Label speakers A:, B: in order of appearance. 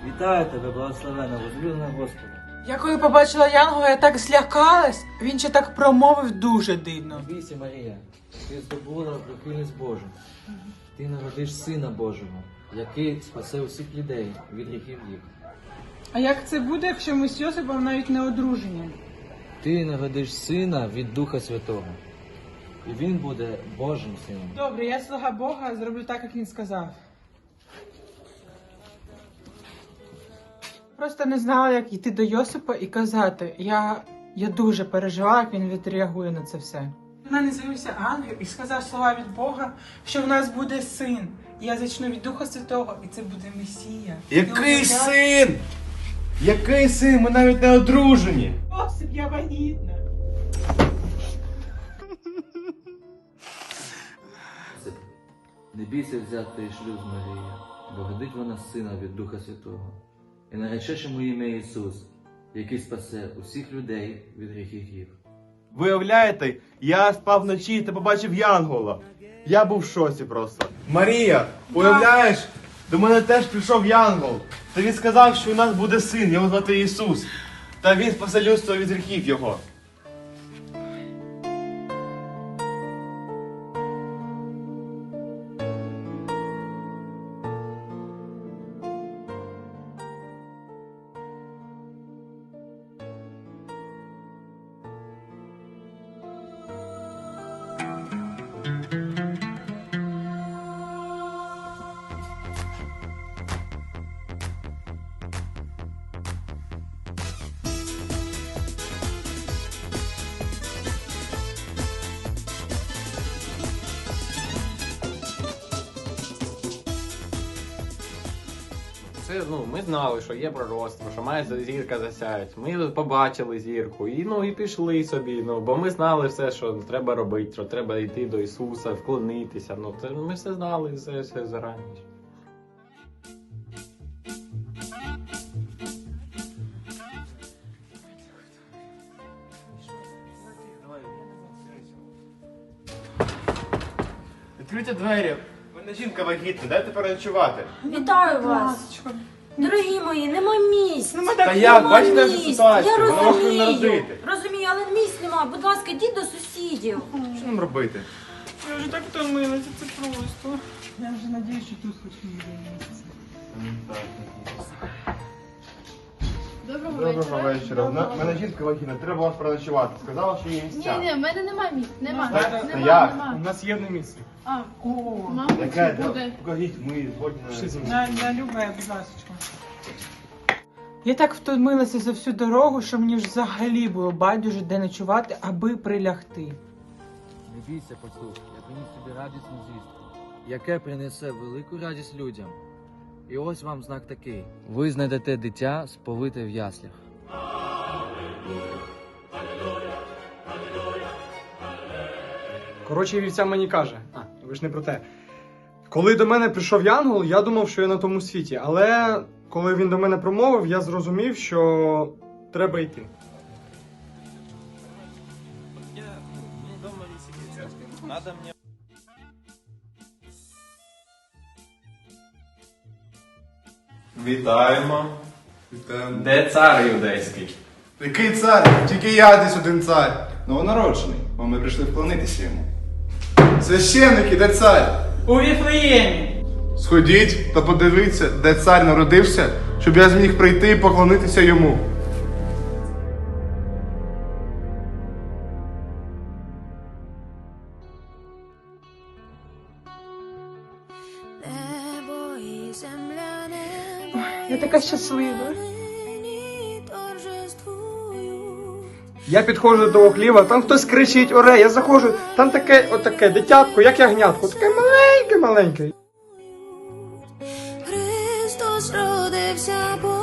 A: Вітаю тебе, благословена, возлюблена Господа.
B: Я коли побачила Янгола, я так злякалась. Він ще так промовив дуже дивно.
A: Не бійся, Марія, ти здобула прихильність Божу. Ти народиш Сина Божого, який спасе усіх людей від гріхів їх.
B: А як це буде, якщо ми з Йосипом навіть не одружені?
A: Ти народиш Сина від Духа Святого, і Він буде Божим Сином.
B: Добре, я слуга Бога, зроблю так, як він сказав. Просто не знала, як йти до Йосипа і казати. Я дуже переживала, як він відреагує на це все. На мене з'явився ангел і сказав слова від Бога, що в нас буде син. І я зачну від Духа Святого, і це буде Месія.
C: Який син? Який син? Ми навіть не одружені.
B: Йосип, я вагітна.
A: Не бійся взяти шлюб з Марією, бо родить вона сина від Духа Святого. І наречеш йому ім'я Ісус, який спасе усіх людей від гріхів їх.
C: Виявляєте, я спав вночі та побачив Янгола. Я був в шоці просто. Марія, уявляєш, до мене теж прийшов Янгол. Та він сказав, що у нас буде син, його звати Ісус. Та він спасе людство від гріхів його.
D: Це, ми знали, що є пророцтво, що має зірка засяять. Ми побачили зірку і пішли собі. Бо ми знали все, що треба робити, що треба йти до Ісуса, вклонитися. Ми все знали, все зарані.
C: Відкрийте двері. У мене жінка вагітна, дайте переночувати.
E: Вітаю вас! Дорогі мої, нема місць!
C: Та як, бачите
E: Нема
C: нашу
E: місць.
C: ситуацію?
E: Я
C: Вона може не
E: розумію,
C: народити.
E: розумію, але місць нема. Будь ласка, йдіть до сусідів.
C: Що нам робити?
B: Я вже так втомилася, це просто. Я вже надіюсь, що тут хоч не буде.
C: Доброго вечора. У мене жінка вагітна, треба вас переночувати. Сказала, що є місця.
F: Ні, в мене немає місць. Нема.
C: Та як?
F: Нема.
G: У нас є одне місце.
F: А,
B: О,
F: мабуть,
C: Яке?
F: буде.
C: Покажіть, ми згодні
B: на любе, будь ласка. Я так втомилася за всю дорогу, що мені взагалі було байдуже де ночувати, аби прилягти.
A: Не бійся, послухай, я приніс тобі радісну звістку, яке принесе велику радість людям. І ось вам знак такий. Ви знайдете дитя, сповите в яслях.
G: Коротше, вівця мені каже. Ви ж не про те. Коли до мене прийшов Янгол, я думав, що я на тому світі. Але коли він до мене промовив, я зрозумів, що треба йти.
C: Вітаємо.
D: Де цар юдейський?
C: Який цар? Тільки я десь один цар. Новонароджений, бо ми прийшли вклонитися йому. Священники, де цар?
B: У Віфлеємі!
C: Сходіть та подивіться, де цар народився, щоб я зміг прийти і поклонитися йому.
H: Небо і земля, небо
B: Я така щаслива.
H: нині торжествують.
G: Я підходжу до того хліва, там хтось кричить, оре, я заходжу, там таке дитятко, як ягнятко, таке маленьке-маленьке.
H: Христос родився.